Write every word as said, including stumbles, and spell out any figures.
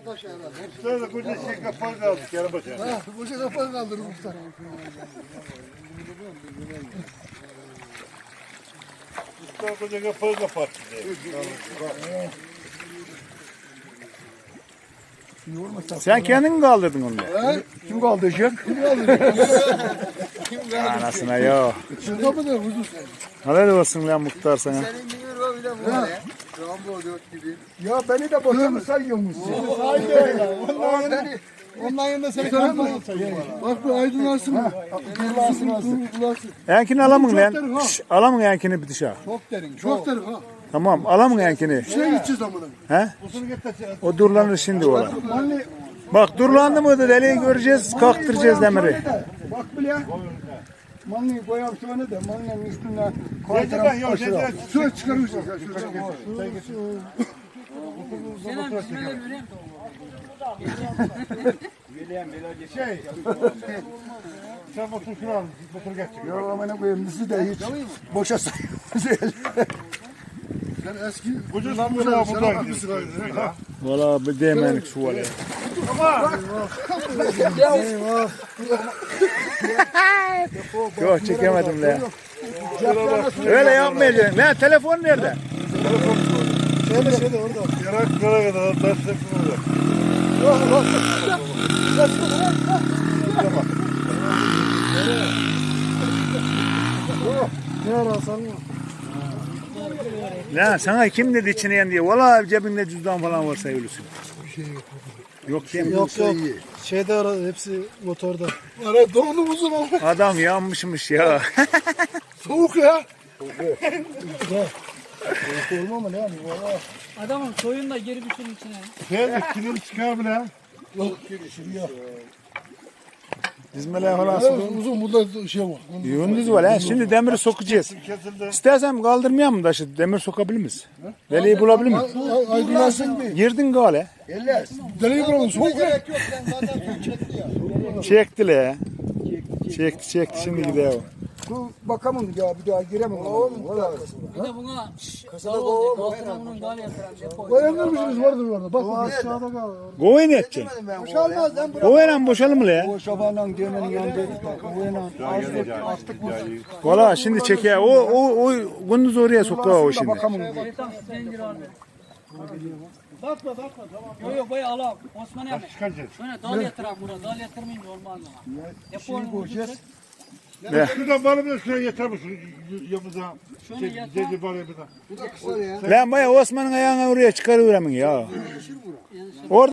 Usta da koca şey kapağı kaldı. Yarın başa. Ha, koca kapağı kaldırır usta. Usta koca kapağı kapattı. Sen kendin mi kaldırdın onu? Ha? Kim kaldıracak? Kim kaldırır? Anasına ya. Şurada mı da huzur? Helal olsun lan muhtar sana. Senin gibi o bile bu ne? Rambo dört gibi. Ya beni de boşa mı sayıyormuşsun? Haydi öyle. Ondan beni... Ondan yanında seni kanatma sayıyor. Bak bu aydınlarsın mı? Kırlarsın aslında. Yankini alamın Çok derin lan. ha. Şş, alamın yankini bir dışarı. Çok derin. Çok derin ha. Tamam alamın yankini. Şuraya gideceğiz amına. He? O durlanır şimdi ola. Manli... Bak durlandı mı da deliği göreceğiz, kalktıracağız demiri. Bak bile. Manliyi koyalım şöyle de manlinin üstünden Zeytin ben yok. Zeytin ben. şöyle çıkarmışız. Şey. Sen motor şunu al. Motor geçecek. Ya amına koyayım bizi de hiç boşa sayıyoruz. Sen eski Koca sıkıntı buradan gidiyor. Valla bir değmenik şu var ya. Yok çekemedim lan. Öyle yapmayacaksın. Lan telefon nerede? Şöyle şöyle orada. Yaraklara kadar taş takımı Ne ararsan mı? Lan sana kim dedi içine yen diye. Valla cebinde cüzdan falan varsa ölüsün. Yok değil mi? Yok yok. Şeyde ara hepsi motorda. Ara donlu uzun ama. Adam yanmışmış ya. Soğuk ya. Soğuk olma mı ne yani? Valla. Adamın soyun da geri bir şeyin içine. Şey, kilim çıkar bile. Yok şimdi yok. Dizmeler falan Evet, sıkı. uzun burada şey var. Yunduz var ha. Şimdi demiri sokacağız. Kesildi. İstersen kaldırmayalım mı taşı? Demir sokabilir miyiz? Deliği bulabilir miyiz? Aydınlarsın bir. Girdin gale. Deliği bulalım soğuk ya. Gerek yok sen zaten çekti ya. Çekti le. Çekti çekti şimdi gidiyor. Bu bakamam ya bir daha giremem. Oğlum valla. Bir de buna kasada olacak. Altına bunun gal yatıran depo. Koyanlarmışsınız vardır orada. Bak bak aşağıda kal. Goy ne edeceksin? Boşalmaz lan. Goyla boşalım mı le? O şabanla demenin yanındaydık. O yana azlık astık bu. Valla şimdi çeker. O o o gündüz oraya sokuyor o şimdi. Bakamam. Şeytan zincir aldı. Bakma bakma tamam. Yok yok bayağı alalım. Osman abi. Çıkaracağız. Şöyle dal yatıran burada. Dal yatırmayınca olmaz ama. Deponun koyacağız. Şuradan bana bir şuraya yeter misin? Yanımıza. Şunu Şey, yeter. Zeytin bana bir daha. Bu da kısa ya. Lan baya Osman'ın ayağına oraya çıkarıveremin ya. Orada